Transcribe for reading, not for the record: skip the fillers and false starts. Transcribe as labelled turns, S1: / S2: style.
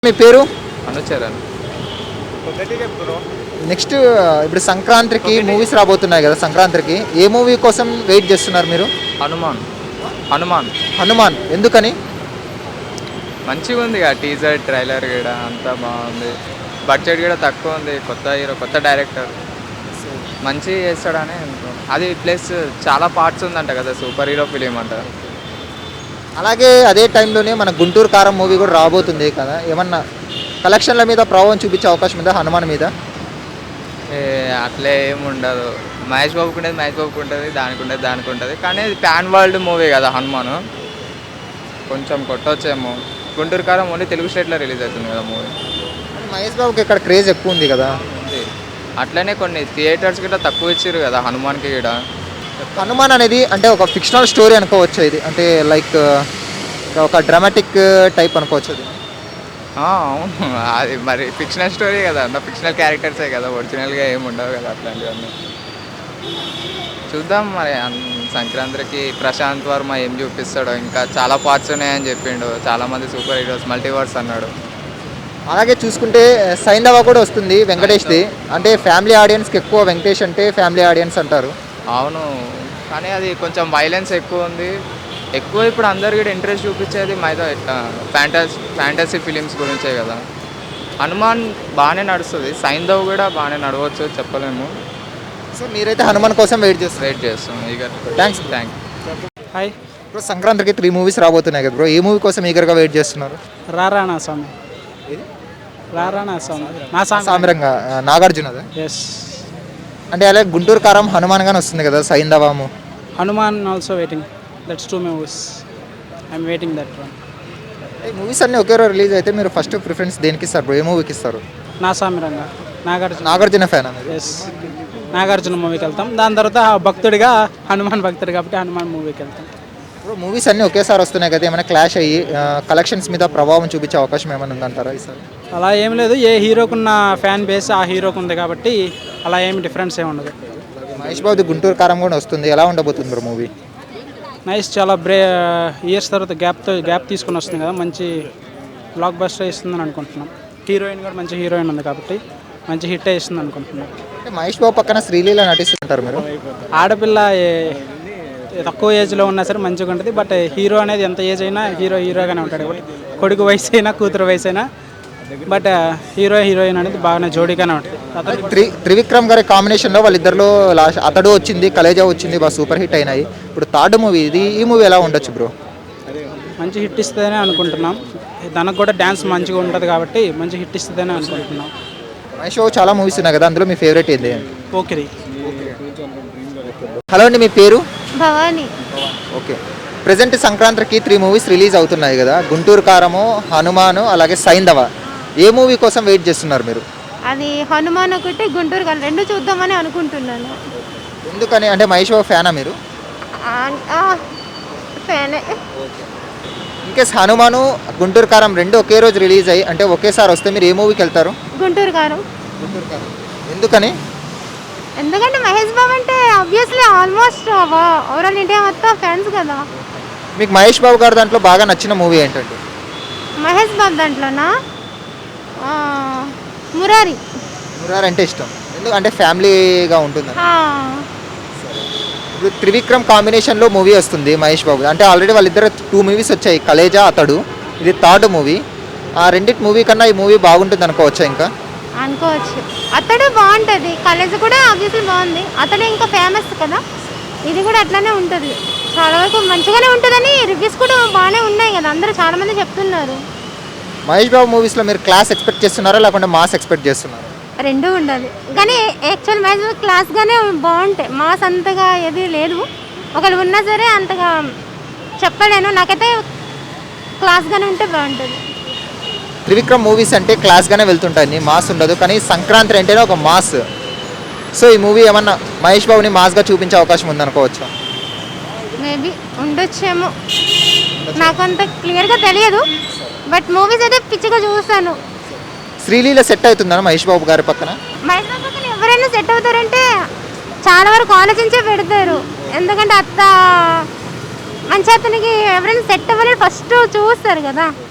S1: మీ పేరు?
S2: అనుచరన్.
S1: నెక్స్ట్ ఇప్పుడు సంక్రాంతికి మూవీస్ రాబోతున్నాయి కదా, సంక్రాంతికి ఏ మూవీ కోసం వెయిట్ చేస్తున్నారు మీరు?
S2: హనుమాన్. హనుమాన్
S1: హనుమాన్ ఎందుకని?
S2: మంచిగా ఉంది కదా, టీజర్ ట్రైలర్ కూడా అంతా బాగుంది. బడ్జెట్ కూడా తక్కువ ఉంది, కొత్త హీరో కొత్త డైరెక్టర్ మంచిగా చేస్తాడని అనుకుంటున్నాను. అది ప్లస్ చాలా పార్ట్స్ ఉందంట కదా, సూపర్ హీరో ఫిలిం అంట.
S1: అలాగే అదే టైంలోనే మన గుంటూరు కారం మూవీ కూడా రాబోతుంది కదా, ఏమన్నా కలెక్షన్ల మీద ప్రభావం చూపించే అవకాశం ఉందా హనుమాన్ మీద?
S2: అట్లే ఏమి ఉండదు. మహేష్ బాబుకి ఉండేది మహేష్ బాబుకి ఉంటుంది, దానికి ఉంటుంది. కానీ ఇది ప్యాన్ వరల్డ్ మూవీ కదా హనుమాన్, కొంచెం కొట్టొచ్చేమో. గుంటూరు కారం ఓన్లీ తెలుగు స్టేట్లో రిలీజ్ అవుతుంది కదా మూవీ.
S1: మహేష్ బాబుకి ఇక్కడ క్రేజ్ ఎక్కువ ఉంది కదా.
S2: ఉంది. అట్లనే కొన్ని థియేటర్స్ కూడా తక్కువ ఇచ్చారు కదా హనుమాన్కి కూడా.
S1: హనుమాన్ అనేది అంటే ఒక ఫిక్షనల్ స్టోరీ అనుకోవచ్చు ఇది, అంటే లైక్ ఒక డ్రామాటిక్ టైప్ అనుకోవచ్చు అది.
S2: అవును, అది మరి ఫిక్షనల్ స్టోరీ కదా, అంత ఫిక్షనల్ క్యారెక్టర్సే కదా, ఒరిజినల్గా ఏమి ఉండవు కదా అట్లాంటివన్నీ. చూద్దాం మరి సంక్రాంతికి ప్రశాంత్ వర్మ ఏం చూపిస్తాడో. ఇంకా చాలా పార్ట్స్ ఉన్నాయని చెప్పిండు, చాలామంది సూపర్ హీరోస్ మల్టీవర్స్ అన్నాడు.
S1: అలాగే చూసుకుంటే సైంధవ కూడా వస్తుంది వెంకటేష్ది, అంటే ఫ్యామిలీ ఆడియన్స్కి ఎక్కువ వెంకటేష్ అంటే ఫ్యామిలీ ఆడియన్స్ అంటారు.
S2: అవును, కానీ అది కొంచెం వైలెన్స్ ఎక్కువ ఉంది. ఎక్కువ ఇప్పుడు అందరు కూడా ఇంట్రెస్ట్ చూపించేది ఫ్యాంటసీ ఫిలిమ్స్ గురించే కదా. హనుమాన్ బాగానే నడుస్తుంది, సైంధవ్ కూడా బాగానే నడవచ్చు, చెప్పలేము.
S1: సో మీరైతే హనుమాన్ కోసం వెయిట్
S2: చేస్తాం ఇక.
S1: థ్యాంక్స్.
S3: హాయ్
S1: ఇప్పుడు సంక్రాంతికి 3 మూవీస్ రాబోతున్నాయి కదా బ్రో, ఏ మూవీ కోసం ఈగర్గా వెయిట్ చేస్తున్నారు?
S3: రారాణా స్వామి. రారాణా స్వామి నా
S1: సామిరంగా నాగార్జునదా?
S3: ఎస్.
S1: అంటే అలాగే గుంటూరు కారం హనుమాన్ గానే వస్తుంది కదా సైంధవము.
S3: Hanuman also waiting, that's 2 movies. I'm waiting that one.
S1: ఈ మూవీస్ అన్నీ ఒకే రోజు రిలీజ్ అయితే మీరు ఫస్ట్ ప్రిఫరెన్స్ దేనికి ఇస్తారు బ్రో, ఏ మూవీకి ఇస్తారు?
S3: నా సామిరంగా
S1: నాగార్జున ఫ్యాన్ అనేది.
S3: ఎస్, నాగార్జున మూవీకి వెళ్తాం. దాని తర్వాత భక్తుడిగా హనుమాన్ భక్తుడు కాబట్టి హనుమాన్ మూవీకి వెళ్తాం.
S1: ఇప్పుడు మూవీస్ అన్నీ ఒకేసారి వస్తున్నాయి కదా, ఏమైనా క్లాష్ అయ్యి కలెక్షన్స్ మీద ప్రభావం చూపించే అవకాశం ఏమైనా ఉందంటారా ఈసారి?
S3: అలా ఏం లేదు, ఏ హీరోకున్న ఫ్యాన్ బేస్ ఆ హీరోకు ఉంది కాబట్టి అలా ఏమి డిఫరెన్స్ ఏమి ఉండదు.
S1: మహేష్ బాబుది గుంటూరు కారం కూడా వస్తుంది, ఎలా ఉండబోతుంది బ్రో మూవీ?
S3: నైస్, చాలా ఇయర్స్ తర్వాత గ్యాప్ తీసుకుని వస్తుంది కదా, మంచి బ్లాక్ బస్టర్ ఇస్తుందని అనుకుంటున్నాం. హీరోయిన్ కూడా మంచి హీరోయిన్ ఉంది కాబట్టి మంచి హిట్ ఇస్తుంది అనుకుంటున్నాం.
S1: అంటే మహేష్ బాబు పక్కన శ్రీలీల నటిస్తుంటారు మీరు.
S3: ఆడపిల్ల తక్కువ ఏజ్లో ఉన్నా సరే మంచిగా ఉంటుంది, బట్ హీరో అనేది ఎంత ఏజ్ అయినా హీరోగానే ఉంటాడు కాబట్టి, కొడుకు వయసు అయినా కూతురు వయసు అయినా, బట్ హీరోయిన్ అనేది బాగానే జోడీగానే ఉంటుంది.
S1: త్రివిక్రమ్ గారి కాంబినేషన్లో వాళ్ళిద్దరిలో లాస్ట్ అతడు వచ్చింది, కలేజా వచ్చింది, బాగా సూపర్ హిట్ అయినాయి. ఇప్పుడు థర్డ్ మూవీ ఇది, ఈ మూవీ ఎలా ఉండొచ్చు బ్రో?
S3: మంచి హిట్ ఇస్తుందని అనుకుంటున్నాం. తనకు కూడా డ్యాన్స్ మంచిగా ఉంటుంది కాబట్టి మంచి హిట్ ఇస్తుందని అనుకుంటున్నాం.
S1: మహేష్ బాబు చాలా మూవీస్ ఉన్నాయి కదా, అందులో మీ ఫేవరెట్ ఏంది?
S3: ఓకే.
S1: హలో అండి, మీ పేరు?
S4: భవాని.
S1: ఓకే. ప్రజెంట్ సంక్రాంతికి 3 మూవీస్ రిలీజ్ అవుతున్నాయి కదా, గుంటూరు కారము, హనుమాను, అలాగే సైంధవ. ఏ మూవీ కోసం వెయిట్ చేస్తున్నారు మీరు?
S4: అది హనుమాన్ ఒకటి, గుంటూరు కారం 2 చూద్దామని అనుకుంటున్నాను.
S1: ఎందుకని? అంటే మహేష్ బాబు ఫ్యానా మీరు?
S4: ఫ్యానే.
S1: ఇన్కేస్ హనుమాను, గుంటూరు కారం 2 ఒకే రోజు రిలీజ్ అయ్యి అంటే ఒకేసారి వస్తే మీరు ఏ మూవీకి వెళ్తారు?
S4: గుంటూరు కారం.
S1: ఎందుకని?
S4: ఎందుకంటే మహేష్ బాబు అంటే ఆబ్వియస్లీ ఆల్మోస్ట్ ఓవరాల్ ఇండియా మొత్తం ఫ్యాన్స్ కదా.
S1: మీకు మహేష్ బాబు గారు దాంట్లో బాగా నచ్చిన మూవీ ఏంటంటే?
S4: మహేష్ బాబు దాంట్లోనా మురారి.
S1: మురారి అంటే ఇష్టం, ఎందుకంటే ఫ్యామిలీగా ఉంటుంది. ఇప్పుడు త్రివిక్రమ్ కాంబినేషన్లో మూవీ వస్తుంది మహేష్ బాబు, అంటే ఆల్రెడీ వాళ్ళిద్దరు 2 మూవీస్ వచ్చాయి, కలేజా, అతడు. ఇది థర్డ్ మూవీ. ఆ రెండింటి మూవీ కన్నా ఈ మూవీ బాగుంటుంది అనుకోవచ్చా? ఇంకా
S4: అనుకోవచ్చు. అతడు బాగుంటుంది, కలేజా కూడా ఆబ్వియస్లీ బాగుంది. అతడు ఇంకా ఫేమస్ కదా, ఇది కూడా అట్లానే ఉంటుంది. చాలా వరకు మంచిగానే ఉంటుందని రివ్యూస్ కూడా బాగానే ఉన్నాయి కదా, అందరూ చాలామంది చెప్తున్నారు.
S1: మహేష్ బాబు మూవీస్లో మీరు క్లాస్ ఎక్స్పెక్ట్ చేస్తున్నారా, లేకుంటే మాస్ ఎక్స్పెక్ట్ చేస్తున్నారా?
S4: 2 ఉండాలి, కానీ యాక్చువల్ మ్యాచ్ క్లాస్గానే బాగుంటాయి. మాస్ అంతగా ఏది లేదు, ఒకళ్ళు ఉన్నా సరే అంతగా చెప్పలేను. నాకైతే క్లాస్గానే ఉంటే బాగుంటుంది.
S1: త్రివిక్రమ్ మూవీస్ అంటే క్లాస్గానే వెళ్తుంటాయి, మాస్ ఉండదు. కానీ సంక్రాంతి అంటేనే ఒక మాస్. సో ఈ మూవీ ఏమన్నా మహేష్ బాబుని మాస్గా చూపించే అవకాశం ఉందనుకోవచ్చా?
S4: మేబీ ఉండొచ్చేమో, నాకు అంత క్లియర్గా తెలియదు, బట్ మూవీస్ అయితే పిచ్చిగా చూస్తాను.
S1: శ్రీలీల సెట్ అవుతుందా మహేష్ బాబు గారి పక్కన?
S4: మహేష్ బాబు పక్కన ఎవరైనా సెట్ అవుతారంటే చాలా వరకు ఆలోచించే పెడతారు, ఎందుకంటే మంచి అతనికి ఎవరైనా సెట్ అవ్వాలని ఫస్ట్ చూస్తారు కదా.